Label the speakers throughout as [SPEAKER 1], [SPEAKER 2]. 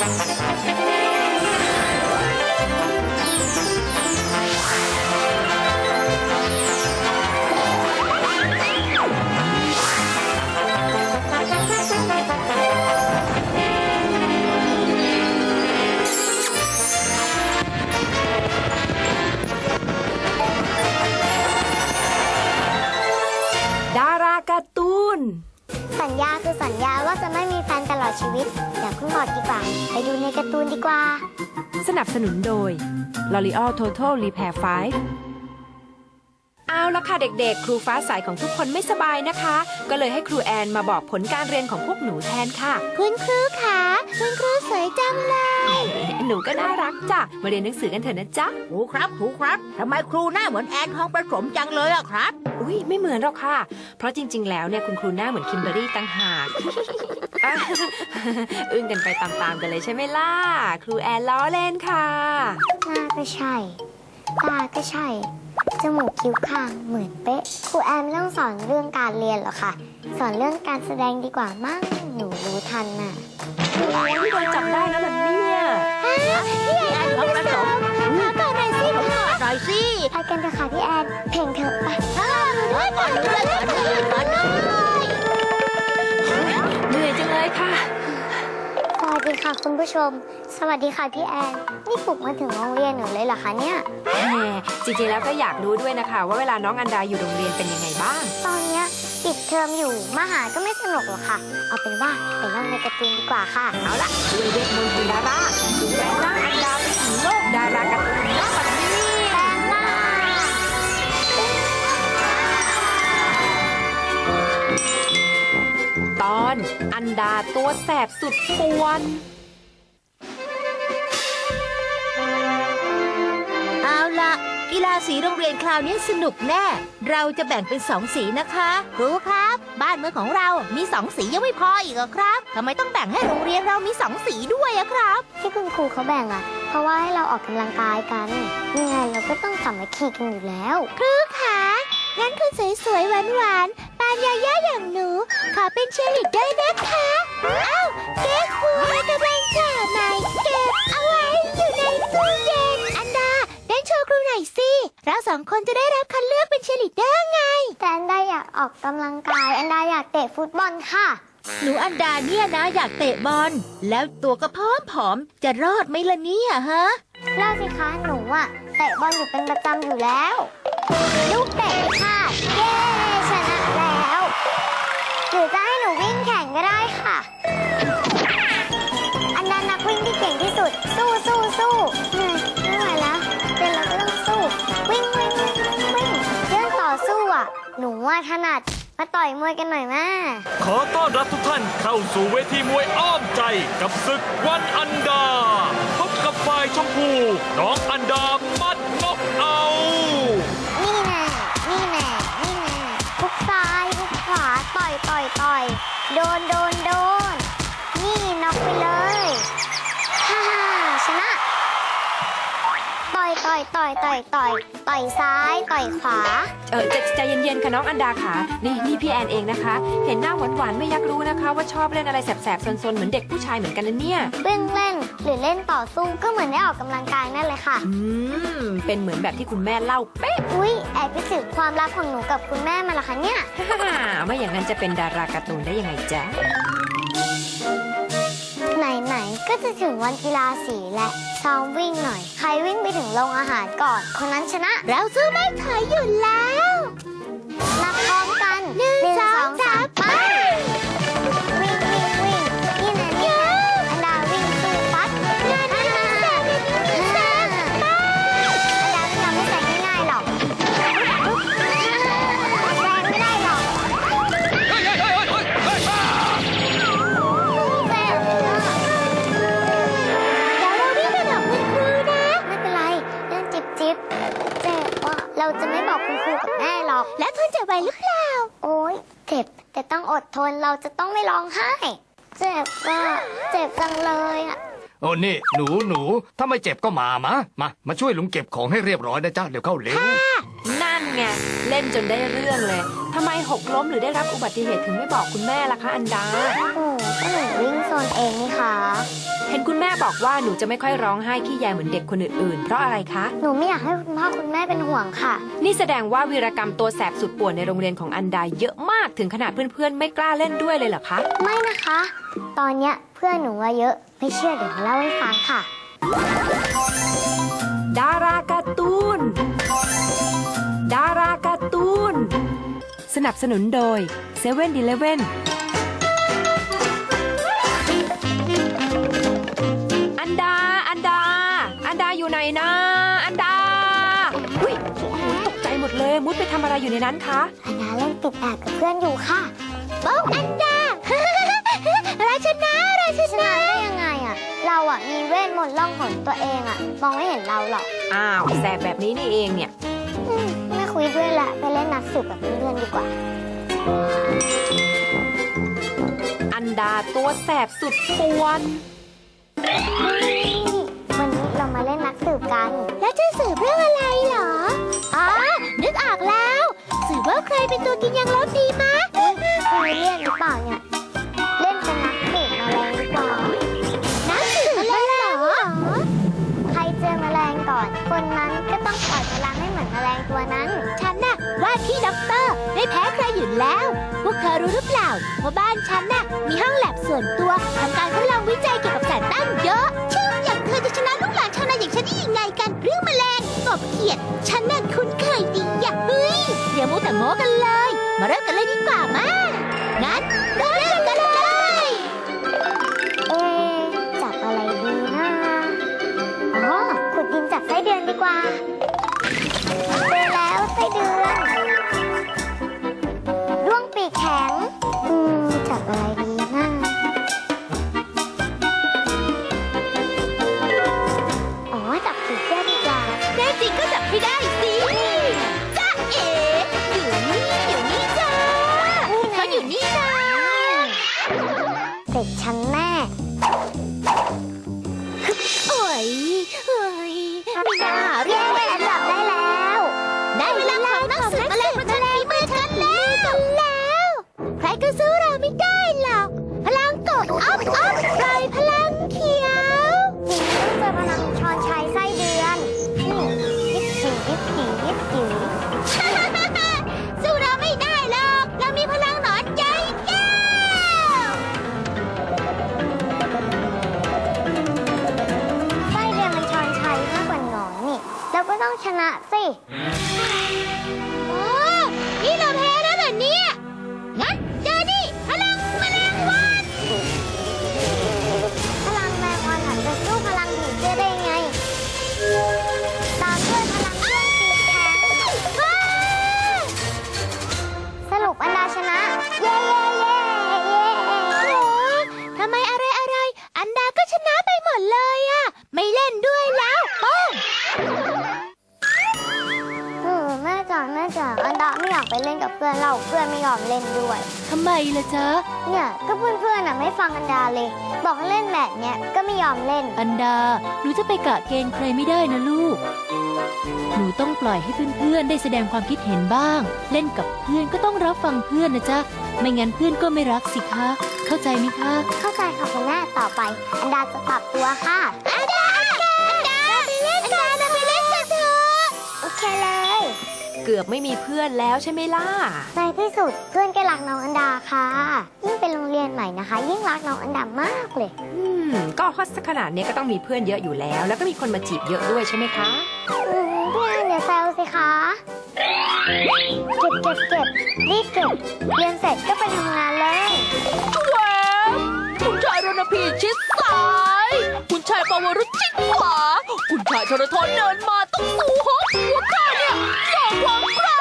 [SPEAKER 1] สัญญาคือสัญญาว่าจะไม่มีแฟนตลอดชีวิตอย่าเพิ่งบอกดีกว่าไปดูในการ์ตูนดีกว่า
[SPEAKER 2] สนับสนุนโดย L'Oreal Total Repair 5เอาละค่ะเด็กๆครูฟ้าใสของทุกคนไม่สบายนะคะก็เลยให้ครูแอนมาบอกผลการเรียนของพวกหนูแทนค่ะ
[SPEAKER 1] คุณครูคะคุณครูสวยจังเลย
[SPEAKER 2] หนูก็น่ารักจ้ะมาเรียนหนังสือกันเถอะนะจ๊ะ
[SPEAKER 3] ครูครับทำไมครูหน้าเหมือนแอนทองประสมจังเลยอะครับ
[SPEAKER 2] อุ้ยไม่เหมือนหรอกค่ะเพราะจริงๆแล้วเนี่ยคุณครูหน้าเหมือนคิมเบอรี่ต่างหาก อึ้งกันไปตามๆกันเลยใช่ไหมล่ะครูแอนล้อเล่นค่ะ
[SPEAKER 1] หน้าก็ใช่ตาก็ใช่จมูกคิ้วข้างเหมือนเป๊ะครูแอนไม่ต้องสอนเรื่องการเรียนหรอกค่ะสอนเรื่องการแสดงดีกว่ามั้งหนูรู้ทันน่ะ
[SPEAKER 2] ที่โดนจับได้แล้วแบบนี้
[SPEAKER 1] พี่แอน
[SPEAKER 3] เขาประสม
[SPEAKER 1] ขอต่อหน่อยสิค่ะ
[SPEAKER 3] หน่อยสิ
[SPEAKER 1] ไปกันเถอะค่ะพี่แอนเพลงเถอะไป
[SPEAKER 3] ก่อน
[SPEAKER 2] เหนื่อยจังเลยค่ะ
[SPEAKER 1] สวัสดีค่ะคุณผู้ชมสวัสดีค่ะพี่แอนนี่ปลุกมาถึงโรงเรียนหนูเลยเหรอคะเนี่ย
[SPEAKER 2] แหมจริงๆแล้วก็อยากรู้ด้วยนะคะว่าเวลาน้องอันดาอยู่โรงเรียนเป็นยังไงบ้าง
[SPEAKER 1] ตอนเนี้ยปิดเทอมอยู่มาหาก็ไม่สนุกหรอกค่ะเอาเป็นว่าไปเล่นในการ์ตูนดีกว่าค่ะ
[SPEAKER 2] เอาล่ะด้วยเวทมนต์ของดาราดูแลน้องอันดาไปถึงโลกดาราการ์ตูนณบัดนี้
[SPEAKER 1] แปลงร่าง
[SPEAKER 2] ตอนอันดาตัวแสบสุดป่วน
[SPEAKER 3] เอาล่ะกีฬาสีโรงเรียนคราวนี้สนุกแน่เราจะแบ่งเป็น2 สีนะคะครูครับบ้านเมืองของเรามี2 สียังไม่พออีกเหรอครับทำไมต้องแบ่งให้โรงเรียนเรามี2 สีด้วยอะครับ
[SPEAKER 1] ที่คุณครูเขาแบ่งอะเพราะว่าให้เราออกกำลังกายกันยังไงเราก็ต้องสามัคคีกันอยู่แล้วครูคะงั้นคุณสวยๆหวานๆปานยาย่าอย่างหนูขอเป็นเชียร์ลีดเดอร์นะคะอ้าวเก๊กครูกำลังจะไหนเก็บเอาไว้อยู่ในตู้เย็นอันดาเต้นโชว์ครูหน่อยสิเรา2 คนจะได้รับคัดเลือกเป็นเชียร์ลีดเดอร์ไงแต่อันดาอยากออกกำลังกายอันดาอยากเตะฟุตบอลค่ะ
[SPEAKER 3] หนูอันดาเนี่ยนะอยากเตะบอลแล้วตัวก็ผอมจะรอดไหมล่ะเนี่ยฮะ
[SPEAKER 1] รอดสิคะหนูอะเตะบอลอยู่เป็นประจำอยู่แล้วลูกเตะค่ะเย้ชนะแล้วหรือจะให้หนูวิ่งแข่งก็ได้ค่ะอันดานักวิ่งที่เก่งที่สุดสู้ไม่ไหวแล้วเป็นเราก็ต้องสู้วิ่งเรื่องต่อสู้อะหนูว่าถนัดมาต่อยมวยกันหน่อยแม่
[SPEAKER 4] ขอต้อนรับทุกท่านเข้าสู่เวทีมวยอ้อมใจกับศึกวันอันดาพบกับฝ่ายชมพูน้องอันดามัดน็อกเอา
[SPEAKER 1] นี่แน่ทุกซ้ายทุกขวาต่อยโดนนี่น็อกไปเลยฮ่าชนะต่อยซ้ายต่อยขวา
[SPEAKER 2] ใจเย็นๆค่ะน้องอันดาค่ะนี่พี่แอนเองนะคะเห็นหน้าหวานๆไม่อยากรู้นะคะว่าชอบเล่นอะไรแสบๆซนๆเหมือนเด็กผู้ชายเหมือนกันนะเนี่ย
[SPEAKER 1] วิ่งเล่นหรือเล่นต่อสู้ก็เหมือนได้ออกกำลังกายนั่นเลยค่ะ
[SPEAKER 2] เป็นเหมือนแบบที่คุณแม่เล่าเป๊ะ
[SPEAKER 1] อุ๊ยแอบไปสืบความลับของหนูกับคุณแม่มาละคะเนี่ย
[SPEAKER 2] ไม่อย่างนั้นจะเป็นดาราการ์ตูนได้ยังไงจ๊ะ
[SPEAKER 1] ไหนก็จะถึงวันกีฬาสีและซ้อมวิ่งหน่อยใครวิ่งไปถึงโรงอาหารก่อนคนนั้นชนะเราสู้ไม่ถอยหยุดแล้วนับพร้อมกัน1 2 3ไปวิ่งนี่นะอันดาวิ่งสู้ฟัดอันดาไม่ยอมไม่แซงง่ายๆหรอกแซงไม่ได้หรอกเราจะไม่บอกคุณครูกับแม่หรอกแล้วทนจะไหวหรือเปล่าโอ๊ยเจ็บแต่ต้องอดทนเราจะต้องไม่ร้องไห้เจ็บจังเลยอะ
[SPEAKER 4] โอ้นี่หนูถ้าไม่เจ็บก็มาช่วยลุงเก็บของให้เรียบร้อยนะจ๊ะเดี๋ยวเข้าเร็ว
[SPEAKER 2] นั่นไงเล่นจนได้เรื่องเลยทำไมหกล้มหรือได้รับอุบัติเหตุถึงไม่บอกคุณแม่ล่ะคะอันดา
[SPEAKER 1] โอ้ก็หนูวิ่งโซนเองนี่คะ
[SPEAKER 2] เห็นคุณแม่บอกว่าหนูจะไม่ค่อยร้องไห้ขี้แยเหมือนเด็กคนอื่นๆ เพราะอะไรคะ
[SPEAKER 1] หนูไม่อยากให้คุณพ่อคุณแม่เป็นห่วงค่ะ
[SPEAKER 2] นี่แสดงว่าวีรกรรมตัวแสบสุดป่วนในโรงเรียนของอันดาเยอะมากถึงขนาดเพื่อนๆไม่กล้าเล่นด้วยเลยเหรอคะ
[SPEAKER 1] ไม่นะคะ ตอนเนี้ยเพื่อนหนูว่าเยอะ ไม่เชื่อเดี๋ยวมาเล่าให้ฟังค่ะ
[SPEAKER 2] ดาราการ์ตูน ดาราการ์ตูน สนับสนุนโดย7-Eleven อันดา อันดา อันดาอยู่ไหนนะ อันดาอุ้ยโอ้โหตกใจหมดเลย มุดไปทำอะไรอยู่ในนั้นคะ
[SPEAKER 1] อันดาเล่นติดแอบกับเพื่อนอยู่ค่ะโป๊กอันดา ราชนะได้ยังไงอะเราอะมีเวทมนต์ล่องหนตัวเองอะมองไม่เห็นเราหรอก
[SPEAKER 2] อ้าวแสบแบบนี้นี่เองเนี่ย
[SPEAKER 1] ไม่คุยด้วยละไปเล่นนักสืบกับเพื่อนๆดีกว่า
[SPEAKER 2] อันดาตัวแสบสุดป่วน
[SPEAKER 1] วันนี้เรามาเล่นนักสืบกัน แล้วจะสืบเรื่องอะไรเหรอ อ๋อ นึกออกแล้ว สืบว่าใครเป็นตัวกินยังลบดีมะคือเรียนหรือเปล่าเนี่ย เล่นเป็นนักสืบแมลงดีกว่า นักสืบแมลงเหรอ ใครเจอแมลงก่อน คนนั้นก็ต้องปล่อยพลังให้เหมือนแมลงตัวนั้น ฉันน่ะว่าที่ด็อกเตอร์ไม่แพ้ใครอยู่แล้ว พวกเธอรู้หรือเปล่าว่าบ้านฉันน่ะมีห้องแลบส่วนตัวทำการทดลองวิจัยเกี่ยวกับสัตว์ตั้งเยอะชื่ออย่างเธอจะชนะลูกหลานชาวนาอย่างฉันได้ยังไงกันเรื่องแมลงกบเขียดฉันน่ะคุ้นเคยดีอย่าเฮ้ยอย่ามัวแต่โม้กันเลย มาเริ่มกันเลยดีกว่ามางั้นเริ่มกันเลยจับอะไรดีนะอ๋อขุดดินจับไส้เดือนดีกว่าเจอแล้วไส้เดือนด้วงปีกแข็งจับอะไรดีนะอ๋อจับผีเสื้อดีกว่าแน่จริงก็จับไม่ได้สิจ้าเอ๋อยู่นี่จ้าเขาอยู่นี่จ้าเสร็จฉันแน่โอ้ยไม่น่าเรียกว่าจับได้แล้วได้เวลาของนักสืบแมลงประชันฝีมือฉันแล้วใครก็สู้เราไม่ได้หรอกพลังกดอ๊อฟปล่อยพลังเขียวเจอพลังชอนชัยไส้เดือนยิบผีสู้เราไม่ได้หรอกเรามีพลังหนอนใจแก้วไส้เดือนมันชอนชัยมากกว่าหนอนนี่เราก็ต้องชนะสิโอ้นี่เราแพ้แล้วเหรอเนี่ยงั้นเจอดิพลังแมลงวันพลังแมลงวันอาจจะสู้พลังผีเสื้อได้ไงตามด้วยพลังด้วงปีกแข็งสรุปอันดาชนะ เย้ทำไมอะไรอันดาก็ชนะไปหมดเลยอะไม่เล่นด้วยแล้วป้องแม่จ๋าอันดาไม่อยากไปเล่นกับเพื่อนเพื่อนไม่ยอมเล่นด้วย
[SPEAKER 3] ทำไมล่ะจ๊ะ
[SPEAKER 1] เนี่ยก็เพื่อนๆไม่ฟังอันดาเลย บอกให้เล่นแบบเนี้ยก็ไม่ยอมเล่น
[SPEAKER 3] อันดา หนูจะไปกะเกณฑ์ใครไม่ได้นะลูก หนูต้องปล่อยให้เพื่อนๆได้แสดงความคิดเห็นบ้าง เล่นกับเพื่อนก็ต้องรับฟังเพื่อนนะจ๊ะ ไม่งั้นเพื่อนก็ไม่รักสิคะ เข้าใจไหมคะ
[SPEAKER 1] เข้าใจค่ะคุณแม่ต่อไป อันดาจะปรับตัวค่ะอันดาไปเล่นกันเถอะโอเคเลย
[SPEAKER 2] เกือบไม่มีเพื่อนแล้วใช่ไหมล่ะ
[SPEAKER 1] ในที่สุดเพื่อนก็รักน้องอันดาค่ะยิ่งเป็นโรงเรียนใหม่นะคะ ยิ่งรักน้องอันดามากเลย
[SPEAKER 2] ก็ฮอตสักขนาดนี้ก็ต้องมีเพื่อนเยอะอยู่แล้ว แล้วก็มีคนมาจีบเยอะด้วยใช่ไหมคะ
[SPEAKER 1] พี่อันอย่าแซวสิคะเก็บรีบเก็บเรียนเสร็จก็ไปทำงานเลย
[SPEAKER 3] แหวคุณชายรณพีชิดซ้าย คุณชายปวรุษชิดขวา คุณชายชรทนเดินมาต้องสู้ฮอตหัวข้าเนี่ยสองหวังใคร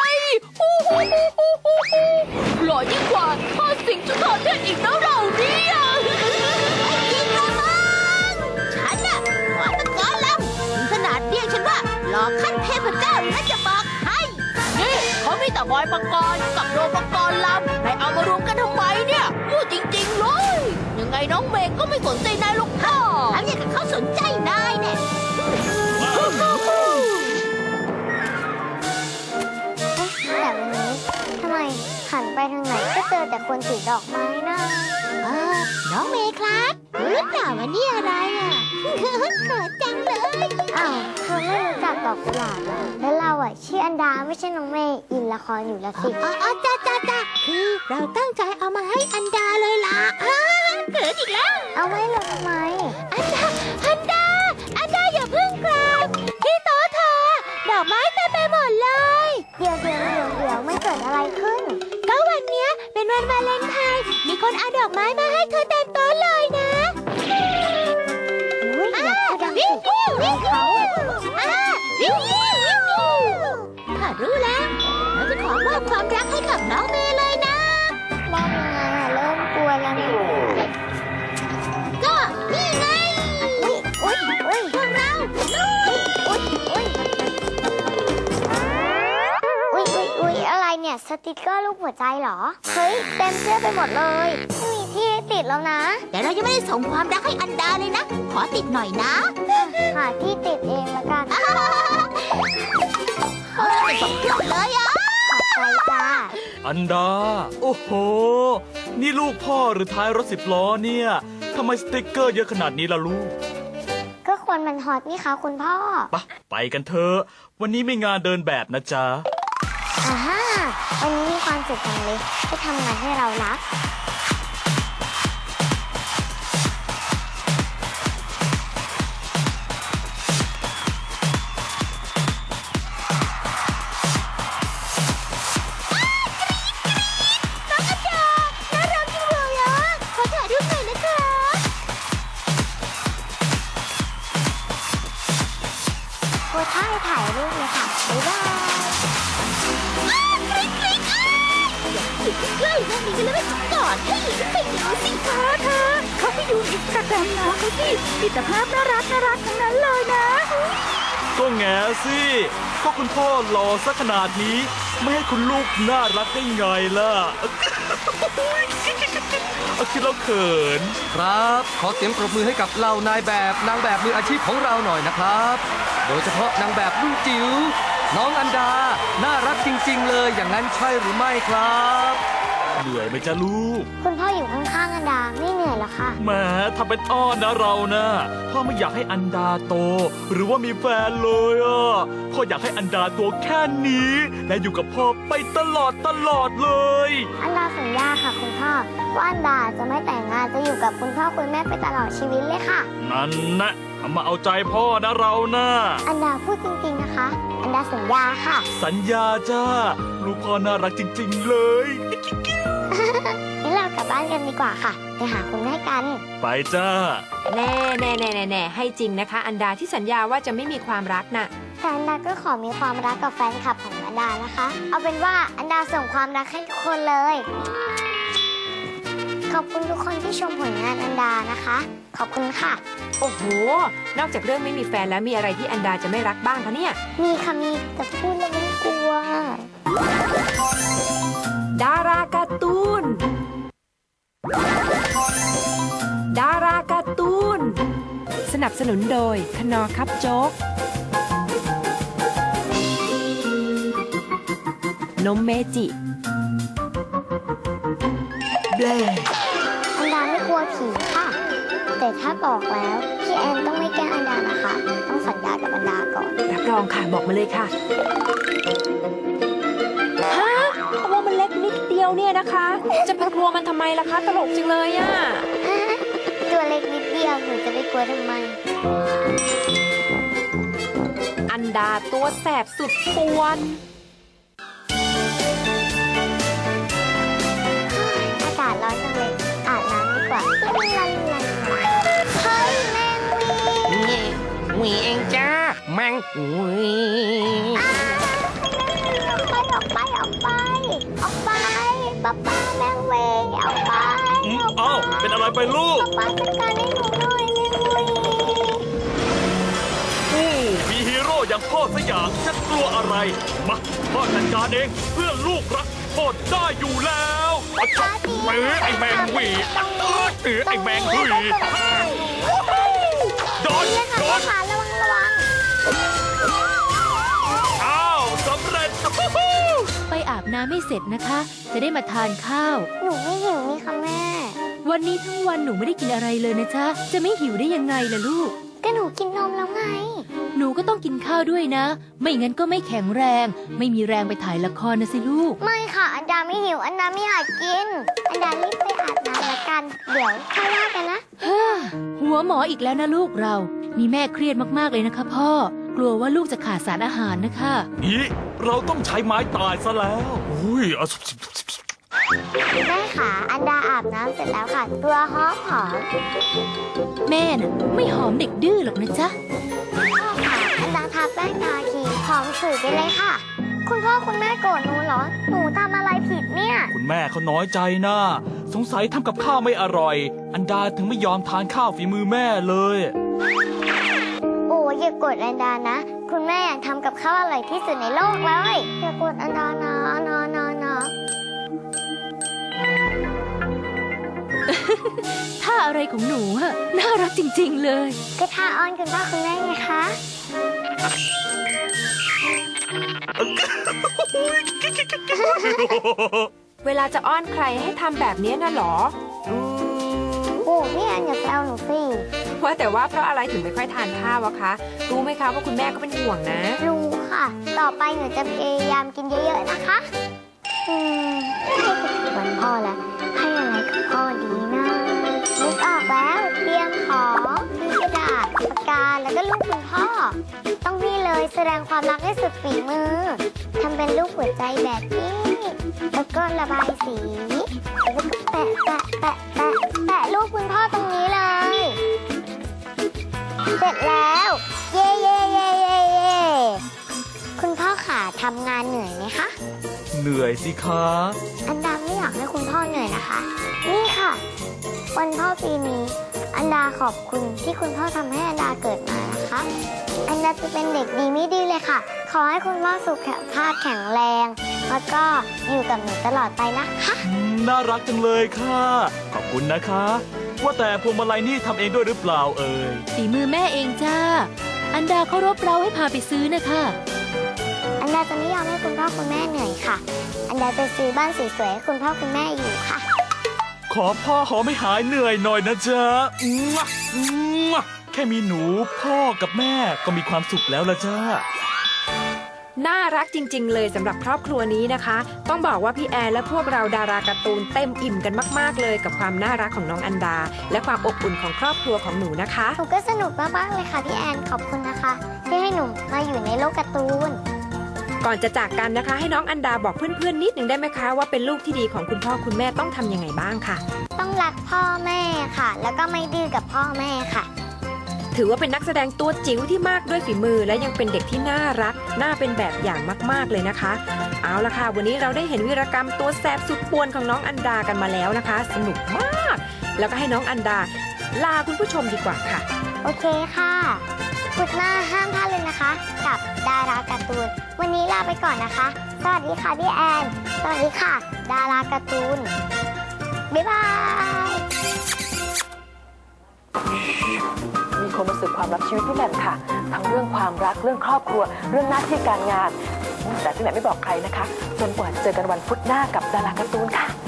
[SPEAKER 3] หล่อยิ่งกว่าข้าสิงจุฑาเทพอีกนะเราเนี่ยยิงระมังฉันน่ะหมอตะกอนลำถึงขนาดเรียกฉันว่าหล่อขั้นเทพเจ้านะจะบอกให้นี่เขามีแต่บอยปกรณ์กับโดปกรณ์ลำนายเอามารวมกันทำไมเนี่ยพูดจริงๆเลยยังไงน้องเมย์ก็ไม่สนใจนายหรอกค่ะทำอย่างกับเขาสนใจนายเนี่ย
[SPEAKER 1] แต่วันนี้ทำไมหันไปทางไหนก็เจอแต่คนถือดอกไม้นะ
[SPEAKER 3] น้อง
[SPEAKER 1] องเมย์ครับรู้หรือเปล่าว่านี่อะไรอ่ะ เขินจังเลยอ้าวเธอไม่รู้จักดอกกุหลาบเหรอแล้วเราอ่ะชื่ออันดาไม่ใช่น้องเมย์อินละครอยู่ละสิอ๋อจ้าคือเราตั้งใจเอามาให้อันดาเลยล่ะเขินอีกแล้วเอาไว้เลยทำไมอันดาอย่าเพิ่งกลับที่โต๊ะเธอดอกไม้เต็มไปหมดเลยเดี๋ยวไม่เกิดอะไรขึ้นก็วันเนี้ยเป็นวันวาเลนไทน์มีคนเอาดอกไม้มาให้เธอเต็มโต๊ะเลยนะวิ่งเขาข้ารู้แล้วเราจะขอมอบความรักให้กับน้องเมย์เลยนะมอบยังไงอะเริ่มกลัวแล้วเนี่ยก็นี่ไงพวกเราอะไรเนี่ยสติกเกอร์รูปหัวใจเหรอเฮ้ยเต็มเสื้อไปหมดเลยไม่มีที่ให้ติดแล้วนะแต่เรายังไม่ได้ส่งความรักให้อันดาเลยนะขอติดหน่อยนะหาที่ติดเองละกันติดสองเครื่องเลยอ่ะขอบใจจ้า
[SPEAKER 4] อันดา โอ้โห นี่ลูกพ่อหรือท้ายรถ10 ล้อเนี่ยทำไมสติ๊กเกอร์เยอะขนาดนี้ล่ะลูก
[SPEAKER 1] ก็ควรมันฮอตนี่คะคุณพ่อ
[SPEAKER 4] ไปกันเถอะ วันนี้ไม่งานเดินแบบนะจ๊ะ
[SPEAKER 1] อ่าฮะวันนี้มีความสุขจังเลยที่ทำงานให้เรารักโพสท่าให้ถ่ายรูปเลยค่ะ บ๊ายบายใกล้ๆนั่นนี่กันแล้วจะกอดให้ไปดูสิคะเธอเขาไปดูอินสตาแกรมน้องเขาสิมีแต่ภาพน่ารักทั้งนั้นเลยนะ
[SPEAKER 4] ก็แง่สิก็คุณพ่อหล่อซะขนาดนี้ ไม่ให้คุณลูกน่ารักได้ไงล่ะ เอาคิดแล้วเขิน
[SPEAKER 5] ครับ ขอเสียงปรบมือให้กับเหล่านายแบบนางแบบมืออาชีพของเราหน่อยนะครับ โดยเฉพาะนางแบบรุ่นจิ๋วน้องอันดา น่ารักจริงๆเลย อย่างนั้นใช่หรือไม่ครับ
[SPEAKER 4] เหนื่อยไหมจ๊ะลูก
[SPEAKER 1] คุณพ่ออยู่ข้างๆอันดาไม่เหนื่อยหรอคะ
[SPEAKER 4] แหมทำเป็นอ้อนนะเรานะพ่อไม่อยากให้อันดาโต หรือว่ามีแฟนเลยอ่ะพ่ออยากให้อันดาตัวแค่นี้ และอยู่กับพ่อไปตลอดเลย
[SPEAKER 1] อันดาสัญญาค่ะคุณพ่อว่าอันดาจะไม่แต่งงานจะอยู่กับคุณพ่อคุณแม่ไปตลอดชีวิตเลยค่ะ
[SPEAKER 4] นั่นนะทำมาเอาใจพ่อนะเรานะ
[SPEAKER 1] อันดาพูดจริงๆนะคะ อันดาสัญญาค่ะ
[SPEAKER 4] สัญญาจ้าลูกพ่อน่ารักจริงๆเลย
[SPEAKER 1] งั้นเรากลับบ้านกันดีกว่าค่ะ ไปหาคุณแม่กัน
[SPEAKER 4] ไปจ้า
[SPEAKER 2] แน่ให้จริงนะคะ อันดาที่สัญญาว่าจะไม่มีความรักน่ะ
[SPEAKER 1] แต่อันดาก็ขอมีความรักกับแฟนคลับของอันดานะคะ เอาเป็นว่าอันดาส่งความรักให้ทุกคนเลย ขอบคุณทุกคนที่ชมผลงานอันดานะคะ ขอบคุณค่ะ
[SPEAKER 2] โอ้โห นอกจากเรื่องไม่มีแฟนแล้วมีอะไรที่อันดาจะไม่รักบ้างคะเนี่ย
[SPEAKER 1] มีค่ะมีแต่พูดแล้วมันกลัว
[SPEAKER 2] ดาราการ์ตูน ดาราการ์ตูน สนับสนุนโดยคนอคับโจ๊ก นมเมจิแบล
[SPEAKER 1] อันดาไม่กลัวผีค่ะ แต่ถ้าบอกแล้วพี่แอนต้องไม่แกล้งอันดานะคะ ต้องสัญญากับอันดาก่อน
[SPEAKER 2] รับรองค่ะบอกมาเลยค่ะ ฮะว่ามันเล็กนิดเดียวเนี่ยนะคะ จะไปกลัวมันทำไมล่ะคะ ตลกจังเลยอ่ะ
[SPEAKER 1] ตัวเล็กนิดเดียวหนูจะไปกลัวทำไม
[SPEAKER 2] อันดาตัวแสบสุดป่วน
[SPEAKER 1] อากาศร้อนจังเลยอาบน้ำดีกว่าเฮ้ยแมงวี
[SPEAKER 6] หวีเองจ้าแมงหวี
[SPEAKER 1] ออกไปป๊าแมงวีออกไป
[SPEAKER 4] เอ้าเป็นอะไรไปลูก
[SPEAKER 1] ป๊าจัดการให้หนูหน่อยแมงวี
[SPEAKER 4] มีฮีโร่อย่างพ่อสักอย่างจะกลัวอะไร มาพ่อจัดการเองเพื่อลูกรักพ่อได้อยู่แล้วเอาจับมือไอ้แมงหวีไอ้แมงหวีโดน
[SPEAKER 1] ระวัง
[SPEAKER 4] อ้าวสำเร็จ
[SPEAKER 3] ไปอาบน้ำไม่เสร็จนะคะ จะได้มาทานข้าว
[SPEAKER 1] หนูไม่หิวนี่ค่ะแม่
[SPEAKER 7] วันนี้ทั้งวันหนูไม่ได้กินอะไรเลยนะจ๊ะ จะไม่หิวได้ยังไงล่ะลูก
[SPEAKER 1] ก็หนูกินนมแล้วไง
[SPEAKER 7] หนูก็ต้องกินข้าวด้วยนะ ไม่งั้นก็ไม่แข็งแรง ไม่มีแรงไปถ่ายละครนะสิลูก
[SPEAKER 1] ไม่ค่ะ อันดาไม่หิว อันดาไม่อยากกิน อันดารีบไปอาบน้ำละกัน เดี๋ยวค่อยว่ากันนะ
[SPEAKER 7] หัวหมออีกแล้วนะลูกเรา นี่แม่เครียดมากๆเลยนะคะพ่อ กลัวว่าลูกจะขาดสารอาหารนะคะ
[SPEAKER 4] นี่เราต้องใช้ไม้ตายซะแล้วอุ้ยเอา
[SPEAKER 1] แม่ค่ะ อันดาอาบน้ำเสร็จแล้วค่ะ ตัวหอม
[SPEAKER 7] แม่น่ะไม่หอมเด็กดื้อหรอกนะจ๊ะ
[SPEAKER 1] พ่อค่ะ อันดาทาแป้งทาครีมหอมฉุยไปเลยค่ะ คุณพ่อคุณแม่โกรธหนูเหรอ หนูทำอะไรผิดเนี่ย
[SPEAKER 4] คุณแม่เขาน้อยใจนะสงสัยทำกับข้าวไม่อร่อย อันดาถึงไม่ยอมทานข้าวฝีมือแม่เลย
[SPEAKER 1] โอ้อย่าโกรธอันดานะ คุณแม่อยากทำกับข้าวอร่อยที่สุดในโลกเลย อย่าโกรธอันดานะนะ
[SPEAKER 7] ถ้าอะไรของหนูอะน่ารักจริงๆเลย
[SPEAKER 1] ก็ท่าอ้อนคุณพ่อคุณแม่ไงคะ
[SPEAKER 2] เวลาจะอ้อนใครให้ทำแบบนี้น่ะเหรอ
[SPEAKER 1] โอ้พี่แอนอย่าแซวหนูสิ
[SPEAKER 2] ว่าแต่ว่าเพราะอะไรถึงไม่ค่อยทานข้าวอะคะ รู้ไหมคะว่าคุณแม่ก็เป็นห่วงนะ
[SPEAKER 1] รู้ค่ะ ต่อไปหนูจะพยายามกินเยอะๆนะคะให้ถึงวันพ่อแล้ว ให้อะไรกับพ่อดีนะนึกออกแล้วเตรียมของมีกระดาษปากกาแล้วก็ลูกคุณพ่อ ต้องนี่เลยแสดงความรักให้สุดฝีมือทำเป็นรูปหัวใจแบบนี้ แล้วก็ระบายสีแล้วก็แปะรูปคุณพ่อตรงนี้เลย เสร็จแล้ว เย่คุณพ่อขาทำงานเหนื่อยไหมคะ
[SPEAKER 4] เหนื่อยสิคะ
[SPEAKER 1] อันดาไม่อยากให้คุณพ่อเหนื่อยนะคะ นี่ค่ะ วันพ่อปีนี้ อันดาขอบคุณที่คุณพ่อทำให้อันดาเกิดมานะคะ อันดาจะเป็นเด็กดีไม่ดีเลยค่ะ ขอให้คุณพ่อสุขภาพแข็งแรง แล้วก็อยู่กับหนูตลอดไปนะคะ
[SPEAKER 4] น่ารักจังเลยค่ะ ขอบคุณนะคะ ว่าแต่พวงมาลัยนี่ทำเองด้วยหรือเปล่าเอ่ย
[SPEAKER 7] ฝีมือแม่เองจ้า อันดาเคารพเราให้พาไปซื้อนะคะ
[SPEAKER 1] อันดาจะไม่ยอมให้คุณพ่อคุณแม่เหนื่อยค่ะ อันดาจะซื้อบ้านสวยๆให้คุณพ่อคุณแม่อยู่ค่ะ
[SPEAKER 4] ขอพ่อหอมให้หายเหนื่อยหน่อยนะจ๊ะมั่วมั่วแค่มีหนูพ่อกับแม่ก็มีความสุขแล้วละจ้า
[SPEAKER 2] น่ารักจริง ๆ เลยสำหรับครอบครัวนี้นะคะ ต้องบอกว่าพี่แอนและพวกเราดาราการ์ตูนเต็มอิ่มกันมากๆเลยกับความน่ารักของน้องอันดา และความอบอุ่นของครอบครัวของหนูนะคะ
[SPEAKER 1] หนูก็สนุกมากๆเลยค่ะพี่แอน ขอบคุณนะคะ ที่ให้หนูมาอยู่ในโลกการ์ตูน
[SPEAKER 2] ก่อนจะจากกันนะคะ ให้น้องอันดาบอกเพื่อนๆนิดหนึ่งได้ไหมคะว่าเป็นลูกที่ดีของคุณพ่อคุณแม่ต้องทำยังไงบ้างค่ะ
[SPEAKER 1] ต้องรักพ่อแม่ค่ะ แล้วก็ไม่ดื้อกับพ่อแม่ค่ะ
[SPEAKER 2] ถือว่าเป็นนักแสดงตัวจิ๋วที่มากด้วยฝีมือ และยังเป็นเด็กที่น่ารัก น่าเป็นแบบอย่างมากๆเลยนะคะ เอาละค่ะ วันนี้เราได้เห็นวีรกรรมตัวแสบสุดป่วนของน้องอันดากันมาแล้วนะคะ สนุกมาก แล้วก็ให้น้องอันดาลาคุณผู้ชมดีกว่าค่ะ
[SPEAKER 1] โอเคค่ะพุธหน้าห้ามพลาดเลยนะคะ กับดาราการ์ตูน วันนี้ลาไปก่อนนะคะ สวัสดีค่ะพี่แอน สวัสดีค่ะ ดาราการ์ตูน บ๊ายบาย
[SPEAKER 8] มีคนมาสืบความลับชีวิตพี่แหม่มค่ะ ทั้งเรื่องความรักเรื่องครอบครัว เรื่องหน้าที่การงาน แต่พี่แหม่มไม่บอกใครนะคะ จนกว่าจะเจอกันวันพุธหน้ากับดาราการ์ตูนค่ะ